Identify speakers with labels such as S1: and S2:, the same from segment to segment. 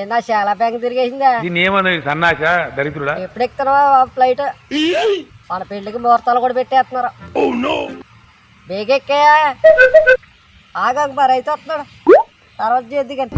S1: ఏంటా చాలా బ్యాంక్ తిరిగేసిందా?
S2: సన్నాస దరిద్రుడా
S1: ఎప్పుడు ఎక్కుతున్నావా ఫ్లైట్? మన పెళ్లికి ముహూర్తాలు కూడా పెట్టేస్తున్నారు. బేగెక్కా ఆగాక మరి అయితే వస్తున్నాడు, తర్వాత చేద్ది కానీ.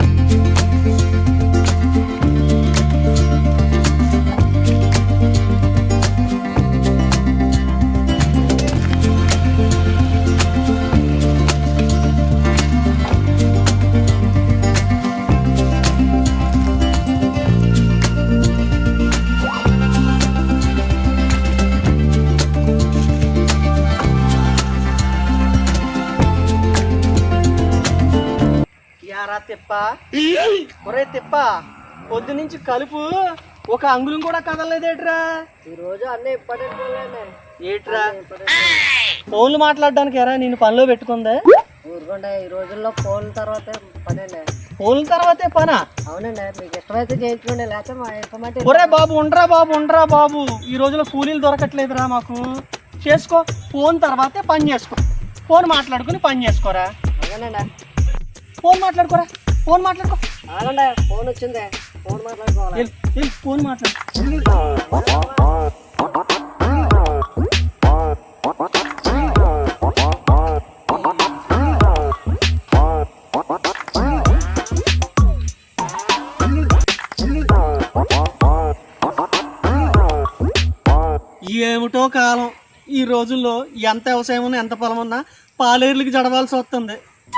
S3: తిప్ప ఒరే తిప్ప, పొద్దు నుంచి కలుపు ఒక అంగుళం కూడా కదలలేదేట్రా?
S1: ఈ రోజు అన్నీ ఇంపార్టెంట్
S3: ఏట్రా ఫోన్లు మాట్లాడడానికి ఎరా నేను పనిలో పెట్టుకుందే?
S1: ఊరుకోండి, ఈ రోజుల్లో ఫోన్ తర్వాత పనండి.
S3: ఫోన్ల తర్వాతే పనా?
S1: అవునండి, మీకు ఇష్టమైతే చేయించుకోండి, లేకపోతే మా ఇష్టమైతే.
S3: ఒరే బాబు ఉండరా బాబు, ఈ రోజులో కూలీలు దొరకట్లేదురా మాకు. చేసుకో, ఫోన్ తర్వాతే పని చేసుకో. ఫోన్ మాట్లాడుకుని పని చేసుకోరా.
S1: అవునండి,
S3: ఫోన్ మాట్లాడుకోరా, ఫోన్ మాట్లాడుకో.
S1: అవునండి, ఫోన్ వచ్చింది, ఫోన్ మాట్లాడుకోవాలి.
S3: ఫోన్ మాట్లాడు. ఏమిటో కాలం, ఈ రోజుల్లో ఎంత వ్యవసాయం ఉన్నా ఎంత పొలం ఉన్నా పాలేర్లకి జడవాల్సి వస్తుంది.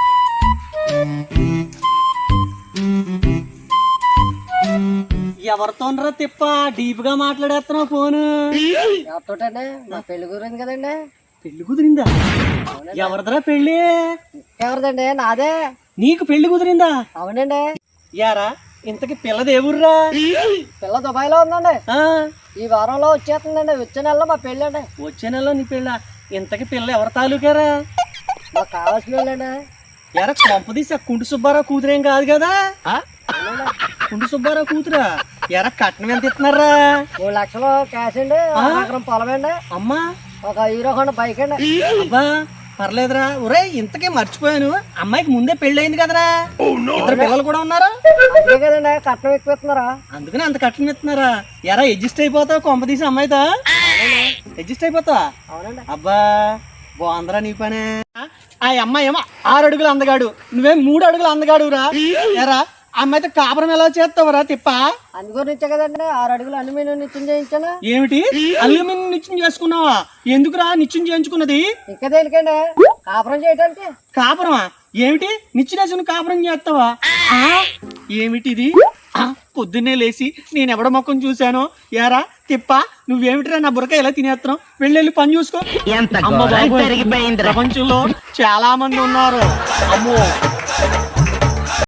S3: ఎవరితోనరా తిప్ప డీప్ గా మాట్లాడేస్తున్నావు ఫోన్?
S1: ఎవరితోటండి? మా పెళ్లి గురించి కదండి.
S3: పెళ్లి కుదిరిందా? ఎవరిదరా పెళ్లి?
S1: ఎవరిదండి? నాదే.
S3: నీకు పెళ్లి కుదిరిందా?
S1: అవునండి.
S3: యారా ఇంతకి పిల్లది ఎవరురా?
S1: పిల్ల దుబాయ్ లో ఉందండి, ఈ వారంలో వచ్చేస్తుందండి. వచ్చే నెలలో మా పెళ్ళి అండి.
S3: వచ్చే నెలలో నీ పెళ్ళ? ఇంతకి పిల్ల ఎవరి తాలూకారా?
S1: మాకు కావాల్సిన వాళ్ళండి.
S3: ఎరా కొంపదీసి కుంటు సుబ్బారావు కూతురేం కాదు కదా? కుంటు సుబ్బారావు కూతురా? ఎరా కట్నం ఎంత ఇస్తున్నారా?
S1: 3 లక్షలు క్యాష్ అండి, 1 ఎకరం పొలం అండి,
S3: అమ్మా
S1: ఒక హీరో హోండా బైక్ అండి.
S3: అబ్బా పర్లేదురా. ఒరే ఇంతకే మర్చిపోయాను, అమ్మాయికి ముందే పెళ్లి అయింది కదరా? 2 పిల్లలు కూడా ఉన్నారా?
S1: అంతే కదండి, కట్నం ఎక్కువ ఇస్తున్నారా?
S3: అందుకని అంత కట్నం ఇస్తున్నారా? ఎరా అడ్జస్ట్ అయిపోతావు కొంపదీసి అమ్మాయితో? అడ్జస్ట్ అయిపోతావా?
S1: అవునండి.
S3: అబ్బా బాగుందరా నీ పనే. ఆ అమ్మాయి ఏమో 6 అడుగులు అందగాడు, నువ్వేం 3 అడుగులు అందగాడురా. ఎరా అమ్మాయితో కాపురం ఎలా చేస్తావురా తిప్ప?
S1: అందుగురించే కదండి 6 అడుగులు అల్యూమినియం నిత్యం చేయించాను.
S3: ఏమిటి అల్యూమినియం నిత్యం చేసుకున్నావా? ఎందుకురా నిత్యం చేయించుకున్నది?
S1: ఇంకా దేనికండి? కాపురం చేయడానికి.
S3: కాపురమా? ఏమిటి నిచ్చినేసుకుని కాపురం చేస్తావా? ఏమిటిది? పొద్దున్నే లేచి నేను ఎవడ మొక్కం చూశాను. యారా తిప్ప నువ్వేమిటిరా నా బురక ఎలా తినేస్తున్నావు? వెళ్ళి పని చూసుకో. ప్రపంచంలో చాలా మంది ఉన్నారు. అమ్మో